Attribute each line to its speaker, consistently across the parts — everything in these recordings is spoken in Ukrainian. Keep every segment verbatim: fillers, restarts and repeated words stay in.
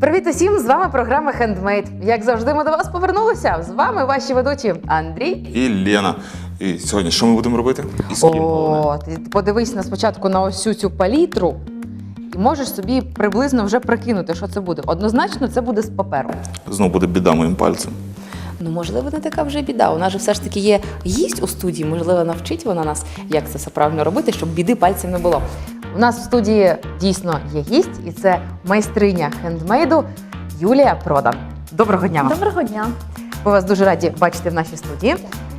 Speaker 1: Привіт усім! З вами програма Handmade. Як завжди, ми до вас повернулися. З вами ваші ведучі Андрій
Speaker 2: і Лена. І сьогодні що ми будемо робити? І з ким,
Speaker 1: О, ти подивись на спочатку на ось цю палітру і можеш собі приблизно вже прикинути, що це буде. Однозначно, це буде з паперу.
Speaker 2: Знову буде біда моїм пальцем.
Speaker 1: Ну, можливо, не така вже біда. У нас же все ж таки є гість у студії. Можливо, навчить вона нас, як це все правильно робити, щоб біди пальцем не було. У нас в студії дійсно є гість, і це майстриня хендмейду Юлія Продан. Доброго дня вам.
Speaker 3: Доброго дня.
Speaker 1: Ми вас дуже раді бачити в нашій студії.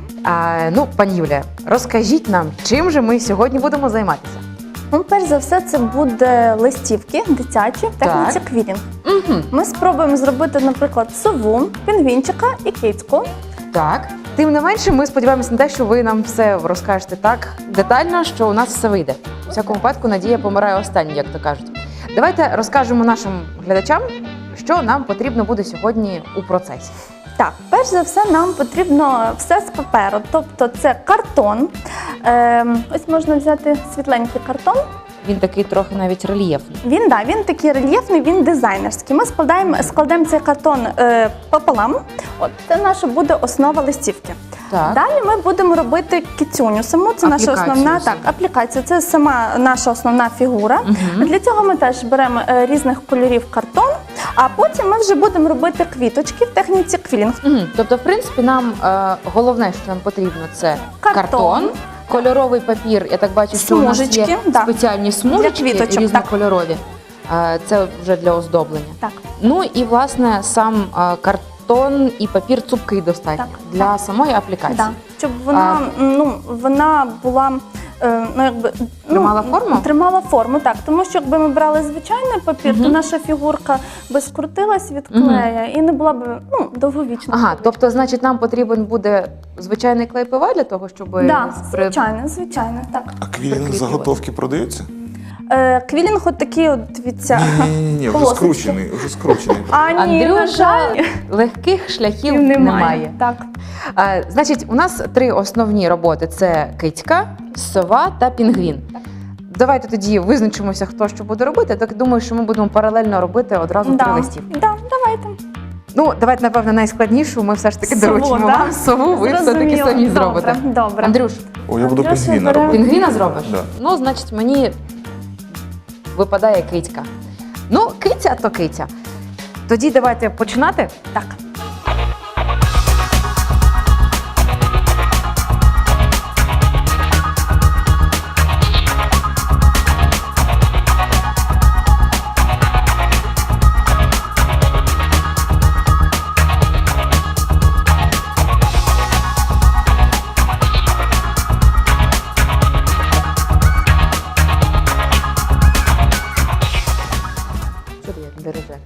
Speaker 1: А, ну, пані Юлія, розкажіть нам, чим же ми сьогодні будемо займатися?
Speaker 3: Ну, перш за все, це буде листівки дитячі в техніці квілінг.
Speaker 1: Угу.
Speaker 3: Ми спробуємо зробити, наприклад, сову, пінгвінчика і кицьку.
Speaker 1: Так. Тим не менше, ми сподіваємося на те, що ви нам все розкажете так детально, що у нас все вийде. У всякому випадку, надія помирає останній, як то кажуть. Давайте розкажемо нашим глядачам, що нам потрібно буде сьогодні у процесі.
Speaker 3: Так, перш за все, нам потрібно все з паперу, тобто це картон. Е, ось можна взяти світленький картон.
Speaker 1: Він такий трохи навіть рельєфний.
Speaker 3: Він, да, він такий рельєфний, він дизайнерський. Ми складаємо, складемо цей картон е, пополам. От, це наша буде основа листівки.
Speaker 1: Так.
Speaker 3: Далі ми будемо робити кицюню саму, це наша
Speaker 1: Аплікацію
Speaker 3: основна
Speaker 1: саму.
Speaker 3: так, аплікація, це сама наша основна фігура.
Speaker 1: Угу.
Speaker 3: Для цього ми теж беремо е, різних кольорів картон, а потім ми вже будемо робити квіточки в техніці квілінг.
Speaker 1: Угу. Тобто, в принципі, нам е, головне, що нам потрібно, це
Speaker 3: Картон.
Speaker 1: картон, кольоровий папір. Я так бачу, що у нас є
Speaker 3: Смужечки, да.
Speaker 1: спеціальні смужечки
Speaker 3: Для квіточок,
Speaker 1: різнокольорові. Е, це вже для оздоблення.
Speaker 3: Так.
Speaker 1: Ну і, власне, сам е, картон і папір цупкий достатньо
Speaker 3: Так,
Speaker 1: для
Speaker 3: так.
Speaker 1: самої аплікації.
Speaker 3: Да. Щоб вона, ну, вона була е, ну, якби,
Speaker 1: Тримала
Speaker 3: ну,
Speaker 1: форму?
Speaker 3: Тримала форму, так. Тому що якби ми брали звичайний папір,
Speaker 1: Мгм.
Speaker 3: то наша фігурка би скрутилась від клея і не була б ну, довговічна.
Speaker 1: Ага, тобто, значить, нам потрібен буде звичайний клей ПВА для того, щоб...
Speaker 3: Да,
Speaker 1: при-
Speaker 3: звичайно, звичайно, так.
Speaker 2: А квілінг
Speaker 1: Прикріплювати.
Speaker 2: заготовки продаються?
Speaker 3: Е, квілінг от такий, от, дивіться.
Speaker 2: Ні-ні-ні, вже
Speaker 3: полосочки.
Speaker 2: скручений, вже скручений.
Speaker 3: А ні, на
Speaker 1: Андрюша,
Speaker 3: жаль,
Speaker 1: легких шляхів
Speaker 3: немає.
Speaker 1: немає.
Speaker 3: Так.
Speaker 1: А, значить, у нас три основні роботи: це кицька, сова та пінгвін. Давайте тоді визначимося, хто що буде робити. Так думаю, що ми будемо паралельно робити одразу три
Speaker 3: Да.
Speaker 1: листівки.
Speaker 3: Да, давайте.
Speaker 1: Ну, давайте, напевно, найскладнішу. Ми все ж таки
Speaker 3: Сову,
Speaker 1: доручимо
Speaker 3: да?
Speaker 1: вам сову. Ви все таки
Speaker 3: Зрозуміло.
Speaker 1: самі
Speaker 3: Добре,
Speaker 1: зробите.
Speaker 3: добре.
Speaker 1: Андрюш,
Speaker 2: О, я буду
Speaker 3: Андрюша
Speaker 2: пінгвіна
Speaker 3: бере-
Speaker 2: робити.
Speaker 1: пінгвіна зробиш?
Speaker 2: Да.
Speaker 1: Ну, значить, мені випадає кицька. Ну, киця то киця. Тоді давайте починати.
Speaker 3: Так.
Speaker 1: Що ти як береже?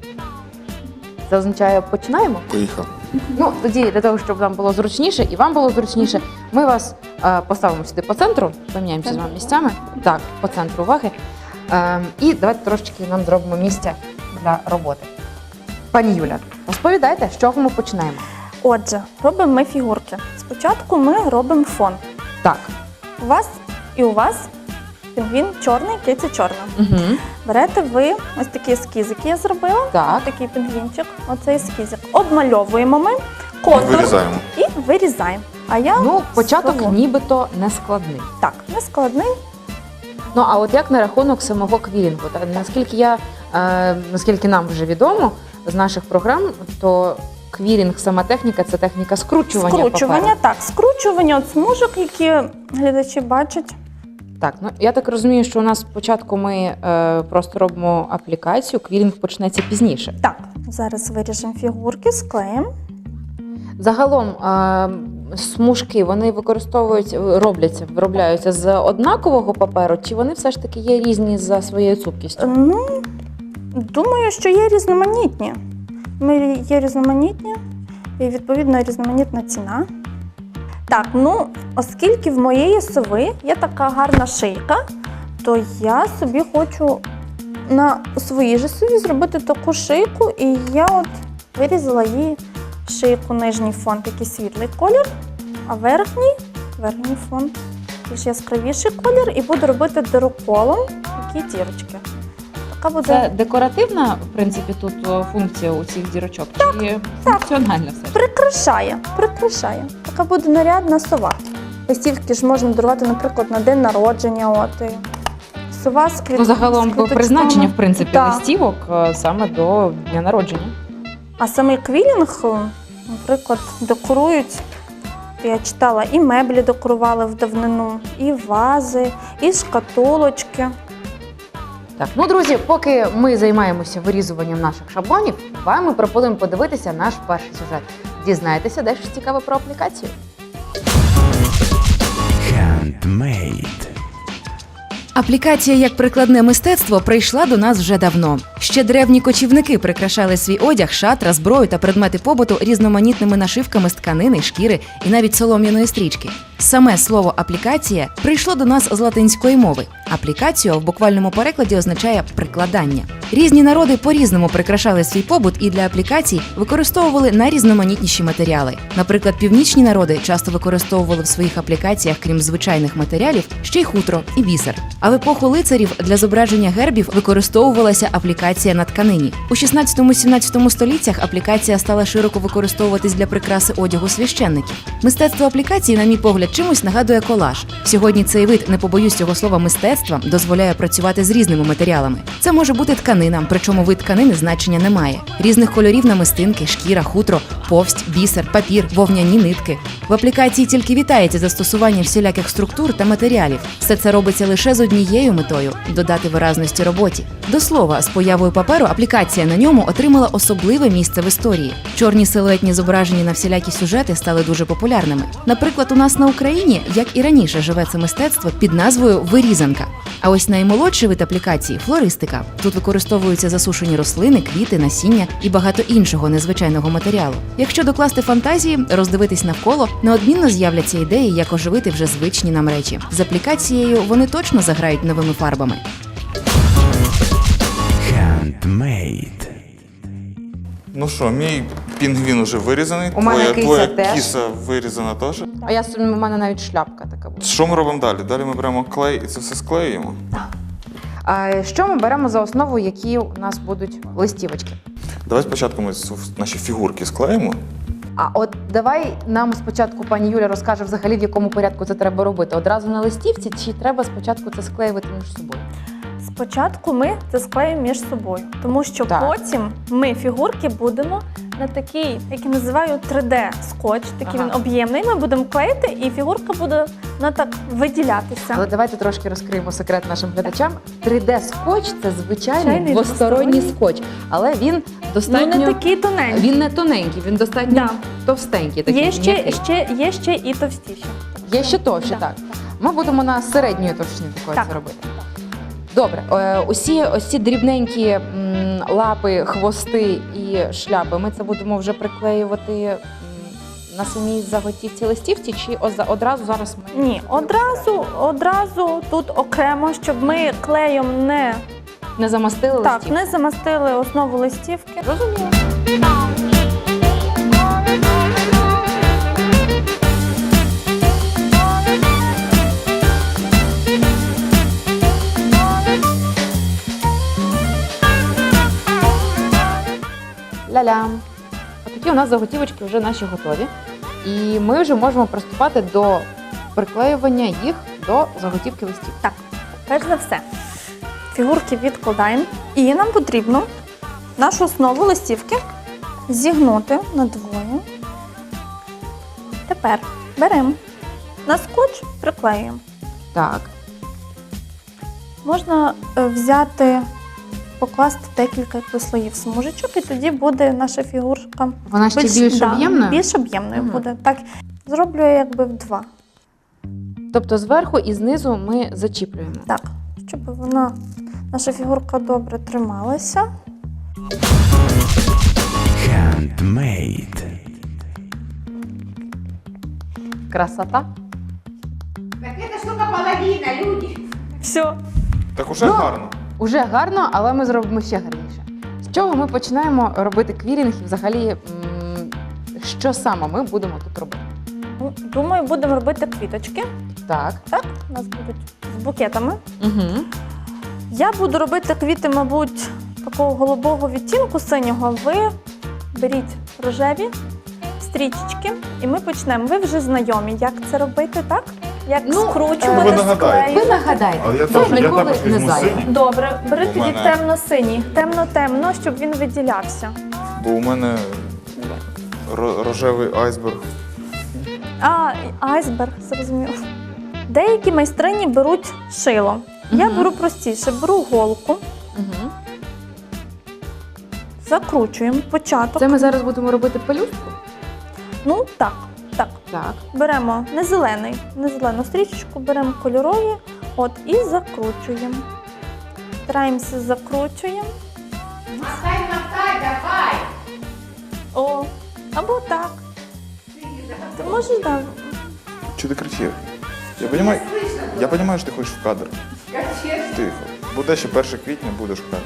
Speaker 1: Це означає починаємо?
Speaker 2: Поїхав.
Speaker 1: Ну, тоді для того, щоб нам було зручніше і вам було зручніше, ми вас е, поставимо сюди по центру, поміняємося з вами місцями. Так, по центру уваги. Е, і давайте трошечки нам зробимо місця для роботи. Пані Юля, розповідайте, з чого ми починаємо?
Speaker 3: Отже, робимо ми фігурки. Спочатку ми робимо фон.
Speaker 1: Так.
Speaker 3: У вас і у вас пінгвін чорний, киця чорна.
Speaker 1: Угу.
Speaker 3: Берете ви ось такі ескіз, які я зробила.
Speaker 1: Так.
Speaker 3: Ось такий пінгвінчик, оцей ескізик. Обмальовуємо ми контур
Speaker 2: Вирізаємо.
Speaker 3: і вирізаємо. А я
Speaker 1: Ну, початок
Speaker 3: свого.
Speaker 1: нібито не складний.
Speaker 3: Так, не складний.
Speaker 1: Ну, а от як на рахунок самого квілінгу? Та, наскільки я, е, наскільки нам вже відомо з наших програм, то квілінг, сама техніка, це техніка скручування,
Speaker 3: Скручування,
Speaker 1: паперу.
Speaker 3: так, скручування от смужок, які глядачі бачать.
Speaker 1: Так, ну я так розумію, що у нас спочатку ми е, просто робимо аплікацію, квілінг почнеться пізніше.
Speaker 3: Так, зараз виріжемо фігурки, склеїмо.
Speaker 1: Загалом е, смужки вони використовують, робляться, виробляються з однакового паперу, чи вони все ж таки є різні за своєю цупкістю?
Speaker 3: Ну, думаю, що є різноманітні. Ми є різноманітні і, відповідно, різноманітна ціна. Так, ну, оскільки в моєї сови є така гарна шийка, то я собі хочу на своїй же сові зробити таку шийку, і я от вирізала її шийку, нижній фон такий світлий колір, а верхній, верхній фон більш яскравіший колір, і буду робити дироколом такі дірочки. Така буде
Speaker 1: Це декоративна, в принципі, тут о, функція у цих дірочок? Чи функціональна все ж?
Speaker 3: прикрашає, прикрашає. Така буде нарядна сова. Листівки ж можна дарувати, наприклад, на день народження. От, і сова з квіт...
Speaker 1: Ну,
Speaker 3: з
Speaker 1: загалом
Speaker 3: квіточками.
Speaker 1: призначення, в принципі,
Speaker 3: Так.
Speaker 1: листівок е, саме до дня народження.
Speaker 3: А самий квілінг, наприклад, декорують, я читала, і меблі декорували в давнину, і вази, і шкатулочки.
Speaker 1: Так, ну, друзі, поки ми займаємося вирізуванням наших шаблонів, вам ми пропонуємо подивитися наш перший сюжет. Дізнайтеся дещо цікаве про аплікацію.
Speaker 4: Handmade.
Speaker 5: Аплікація як прикладне мистецтво прийшла до нас вже давно. Ще древні кочівники прикрашали свій одяг, шатра, зброю та предмети побуту різноманітними нашивками з тканини, шкіри і навіть солом'яної стрічки. Саме слово аплікація прийшло до нас з латинської мови. Аплікаціо в буквальному перекладі означає прикладання. Різні народи по-різному прикрашали свій побут і для аплікацій використовували найрізноманітніші матеріали. Наприклад, північні народи часто використовували в своїх аплікаціях, крім звичайних матеріалів, ще й хутро і бісер. А в епоху лицарів для зображення гербів використовувалася аплікація на тканині. У шістнадцятому-сімнадцятому століттях аплікація стала широко використовуватись для прикраси одягу священників. Мистецтво аплікації, на мій погляд, чимось нагадує колаж. Сьогодні цей вид, не побоюсь цього слова, мистецтва, дозволяє працювати з різними матеріалами. Це може бути тканина, причому вид тканини значення не має. Різних кольорів намистинки, шкіра, хутро, повсть, бісер, папір, вовняні нитки. В аплікації тільки вітається застосування всіляких структур та матеріалів. Все це робиться лише з однією метою – додати виразності роботі. До слова, з появою паперу аплікація на ньому отримала особливе місце в історії. Чорні силуетні зображення на всілякі сюжети стали дуже популярними. Наприклад, у нас на Україні, як і раніше, живе це мистецтво під назвою вирізанка. А ось наймолодший вид аплікації – флористика. Тут використовуються засушені рослини, квіти, насіння і багато іншого незвичайного матеріалу. Якщо докласти фантазії, роздивитись навколо, неодмінно з'являться ідеї, як оживити вже звичні нам речі. З аплікацією вони точно заграють новими фарбами.
Speaker 4: Handmade.
Speaker 2: Ну що, мій пінгвін уже вирізаний.
Speaker 1: У мене
Speaker 2: твоя,
Speaker 1: киця
Speaker 2: твоя
Speaker 1: теж.
Speaker 2: кіса вирізана теж.
Speaker 1: А я у мене навіть шляпка така буде.
Speaker 2: Що ми робимо далі? Далі ми беремо клей і це все склеюємо.
Speaker 1: А що ми беремо за основу, які у нас будуть листівочки?
Speaker 2: Давай спочатку ми с- наші фігурки склеїмо.
Speaker 1: А от давай нам спочатку пані Юля розкаже взагалі, в якому порядку це треба робити. Одразу на листівці, чи треба спочатку це склеювати між собою?
Speaker 3: Спочатку ми це склеїмо між собою, тому що
Speaker 1: Так.
Speaker 3: потім ми фігурки будемо на такий, як я називаю, три де скотч, такий
Speaker 1: Ага.
Speaker 3: він об'ємний. Ми будемо клеїти, і фігурка буде вона так виділятися.
Speaker 1: Але давайте трошки розкриємо секрет нашим глядачам. три де скотч це звичайний
Speaker 3: Звичайний
Speaker 1: двосторонній
Speaker 3: двосторонній.
Speaker 1: скотч, але він
Speaker 3: Ну,
Speaker 1: достатньо
Speaker 3: не такий тоненький.
Speaker 1: він не тоненький, він достатньо
Speaker 3: Да.
Speaker 1: товстенький. Такий,
Speaker 3: Є ще,
Speaker 1: м'який.
Speaker 3: ще, є ще і товстіші.
Speaker 1: Є ще товще,
Speaker 3: Да.
Speaker 1: так. Ми будемо на середньої товщини такої
Speaker 3: Так.
Speaker 1: це робити. Добре, е, усі ось ці дрібненькі м, лапи, хвости і шляпи, ми це будемо вже приклеювати м, на самій заготівці листівці, чи оза- одразу зараз ми
Speaker 3: Ні, одразу, одразу тут окремо, щоб ми клеєм не,
Speaker 1: не замастили
Speaker 3: так,
Speaker 1: листівку?
Speaker 3: не замастили основу листівки.
Speaker 1: Розуміло. Ля-ля. Отакі у нас заготівочки вже наші готові. І ми вже можемо приступати до приклеювання їх до заготівки листів.
Speaker 3: Так, перш за все, фігурки відкладаємо. І нам потрібно нашу основу листівки зігнути надвоє. Тепер беремо на скотч, приклеюємо.
Speaker 1: Так.
Speaker 3: Можна е, взяти, покласти декілька якби слоїв смужечок, і тоді буде наша фігурка
Speaker 1: Вона ще більш
Speaker 3: да,
Speaker 1: об'ємною?
Speaker 3: більш об'ємною
Speaker 1: Мгм.
Speaker 3: буде. Так, зроблю я якби в два.
Speaker 1: Тобто зверху і знизу ми зачіплюємо.
Speaker 3: Так, щоб вона, наша фігурка добре трималася.
Speaker 4: Handmade.
Speaker 1: Красота.
Speaker 6: Так это штука половина, люди.
Speaker 3: Все.
Speaker 2: Так уже
Speaker 1: Ну,
Speaker 2: гарно.
Speaker 1: Уже гарно, але ми зробимо ще гарніше. З чого ми починаємо робити квілінг і взагалі, м, що саме ми будемо тут робити?
Speaker 3: Ну, думаю, будемо робити квіточки.
Speaker 1: Так.
Speaker 3: Так, у нас будуть з букетами.
Speaker 1: Угу.
Speaker 3: Я буду робити квіти, мабуть, такого голубого відтінку синього. Ви беріть рожеві стрічечки і ми почнемо. Ви вже знайомі, як це робити, так? Як
Speaker 1: Ну,
Speaker 3: скручувати,
Speaker 2: ви нагадаєте.
Speaker 1: Ви
Speaker 3: склеювати.
Speaker 1: нагадайте,
Speaker 2: Але я
Speaker 1: хто
Speaker 2: теж- я
Speaker 1: ніколи
Speaker 2: також
Speaker 1: не
Speaker 2: візьму
Speaker 1: зайвий.
Speaker 2: синій.
Speaker 3: Добре, бери
Speaker 2: У
Speaker 3: тоді
Speaker 2: мене-
Speaker 3: темно-синій, темно-темно, щоб він виділявся.
Speaker 2: Бо у мене ро- рожевий айсберг.
Speaker 3: А, і айсберг, зрозуміло. Деякі майстрині беруть шило. Я
Speaker 1: Мгм.
Speaker 3: беру простіше, беру голку,
Speaker 1: Мгм.
Speaker 3: закручуємо початок.
Speaker 1: Це ми зараз будемо робити пелюстку?
Speaker 3: Ну так, так.
Speaker 1: Так.
Speaker 3: Беремо не зелений, не зелену стрічечку, беремо кольорові, от і закручуємо. Стараємося закручуємо.
Speaker 6: Мотай, мотай, давай.
Speaker 3: О, або так. Ти можеш так.
Speaker 2: Чи ти кричив? Я розумію, я розумію, що ти хочеш в кадр.
Speaker 6: Конечно.
Speaker 2: Тихо. Буде ще перше квітня, будеш в кадрі.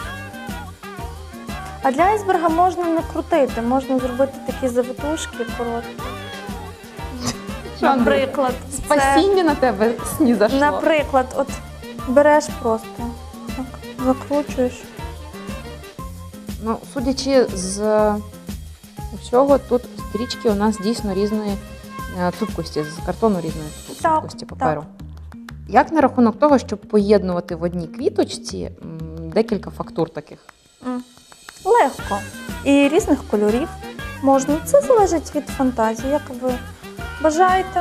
Speaker 3: А для айсберга можна не крутити, можна зробити такі завитушки короткі.
Speaker 1: Що, Андрій,
Speaker 3: Наприклад, це,
Speaker 1: Спасіння на тебе снізошло.
Speaker 3: наприклад, от береш просто, так, закручуєш.
Speaker 1: Ну, судячи з всього, тут стрічки у нас дійсно різної е, цупкості, з картону різної
Speaker 3: Так,
Speaker 1: цупкості паперу. Як на рахунок того, щоб поєднувати в одній квіточці м, декілька фактур таких?
Speaker 3: М. Легко. І різних кольорів можна. Це залежить від фантазії, як ви бажаєте.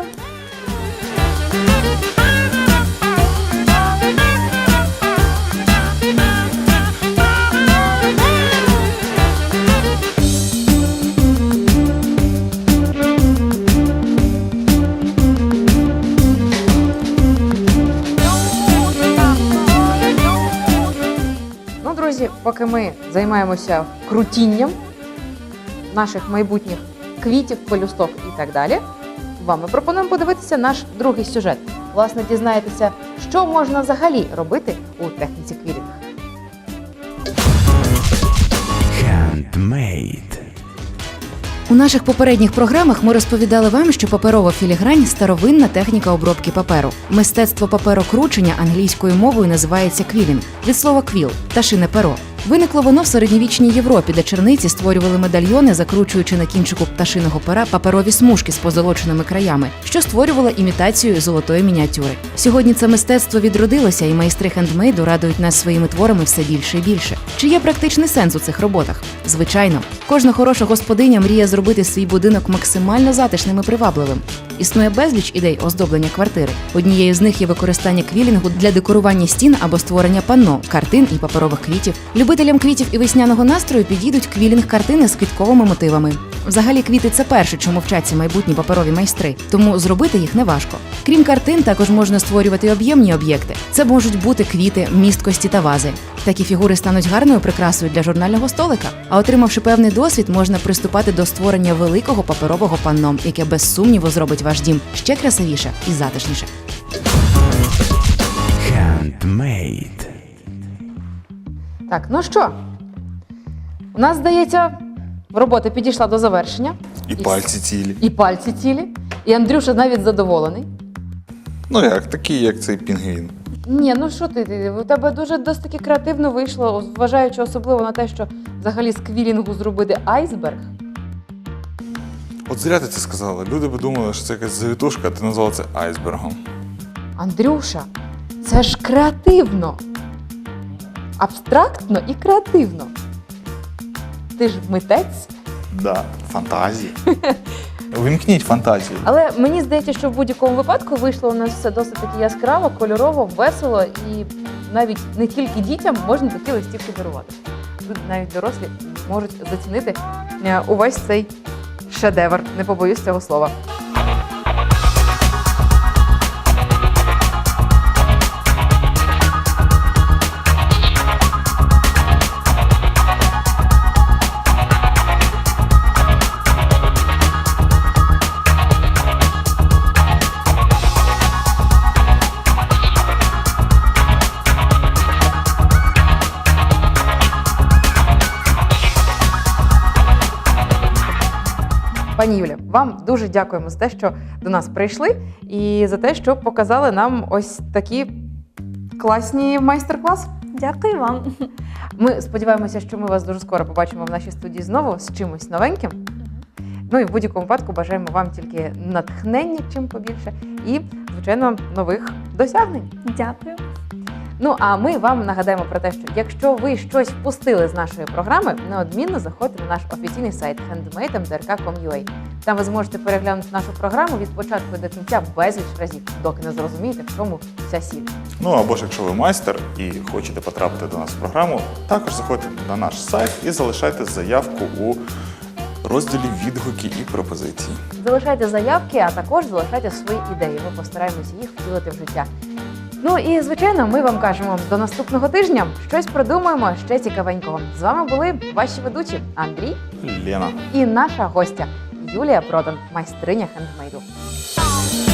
Speaker 1: Ну, друзі, поки ми займаємося крутінням наших майбутніх квітів, пелюсток і так далі, вам ми пропонуємо подивитися наш другий сюжет. Власне, дізнаєтеся, що можна взагалі робити у техніці квілінг.
Speaker 4: Handmade.
Speaker 5: У наших попередніх програмах ми розповідали вам, що паперова філігрань – старовинна техніка обробки паперу. Мистецтво паперокручення англійською мовою називається квілінг, від слова квіл – пташине перо. Виникло воно в середньовічній Європі, де черниці створювали медальйони, закручуючи на кінчику пташиного пера паперові смужки з позолоченими краями, що створювало імітацію золотої мініатюри. Сьогодні це мистецтво відродилося, і майстри хендмейду радують нас своїми творами все більше і більше. Чи є практичний сенс у цих роботах? Звичайно. Кожна хороша господиня мріє зробити свій будинок максимально затишним і привабливим. Існує безліч ідей оздоблення квартири. Однією з них є використання квілінгу для декорування стін або створення панно, картин і паперових квітів. Любителям квітів і весняного настрою підійдуть квілінг-картини з квітковими мотивами. Взагалі, квіти – це перше, чому вчаться майбутні паперові майстри, тому зробити їх неважко. Крім картин, також можна створювати об'ємні об'єкти. Це можуть бути квіти, місткості та вази. Такі фігури стануть гарною прикрасою для журнального столика. А отримавши певний досвід, можна приступати до створення великого паперового панно, яке без сумніву зробить ваш дім ще красивіше і затишніше.
Speaker 4: Handmade.
Speaker 1: Так, ну що? У нас, здається, робота підійшла до завершення.
Speaker 2: І пальці цілі.
Speaker 1: І пальці цілі. І Андрюша навіть задоволений.
Speaker 2: Ну як, такі, як цей пінгвін.
Speaker 1: Ні, ну що ти, ти, у тебе дуже досить таки креативно вийшло, зважаючи особливо на те, що взагалі з квілінгу зробити айсберг.
Speaker 2: От зря ти це сказала. Люди би думали, що це якась завітушка, а ти назвала це айсбергом.
Speaker 1: Андрюша, це ж креативно. Абстрактно і креативно. Ти ж митець.
Speaker 2: Да, фантазії. Вимкніть фантазію.
Speaker 1: Але мені здається, що в будь-якому випадку вийшло у нас все досить таки яскраво, кольорово, весело і навіть не тільки дітям можна такі листівки дарувати. Тут навіть дорослі можуть зацінити е, увесь цей шедевр, не побоюсь цього слова. Пані Юлі, вам дуже дякуємо за те, що до нас прийшли, і за те, що показали нам ось такі класні майстер-класи.
Speaker 3: Дякую вам.
Speaker 1: Ми сподіваємося, що ми вас дуже скоро побачимо в нашій студії знову з чимось новеньким. Ну і в будь-якому випадку бажаємо вам тільки натхнення чим побільше і, звичайно, нових досягнень.
Speaker 3: Дякую.
Speaker 1: Ну а ми вам нагадаємо про те, що якщо ви щось впустили з нашої програми, неодмінно заходьте на наш офіційний сайт хендмейд ем де ер ка крапка ком крапка ю а. Там ви зможете переглянути нашу програму від початку до кінця безліч разів, доки не зрозумієте, в чому вся сіль.
Speaker 2: Ну або ж якщо ви майстер і хочете потрапити до нас в програму, також заходьте на наш сайт і залишайте заявку у розділі відгуки і пропозиції.
Speaker 1: Залишайте заявки, а також залишайте свої ідеї. Ми постараємося їх втілити в життя. Ну і, звичайно, ми вам кажемо до наступного тижня. Щось придумаємо ще цікавенького. З вами були ваші ведучі Андрій
Speaker 2: Лена.
Speaker 1: і наша гостя Юлія Продан, майстриня хендмейду.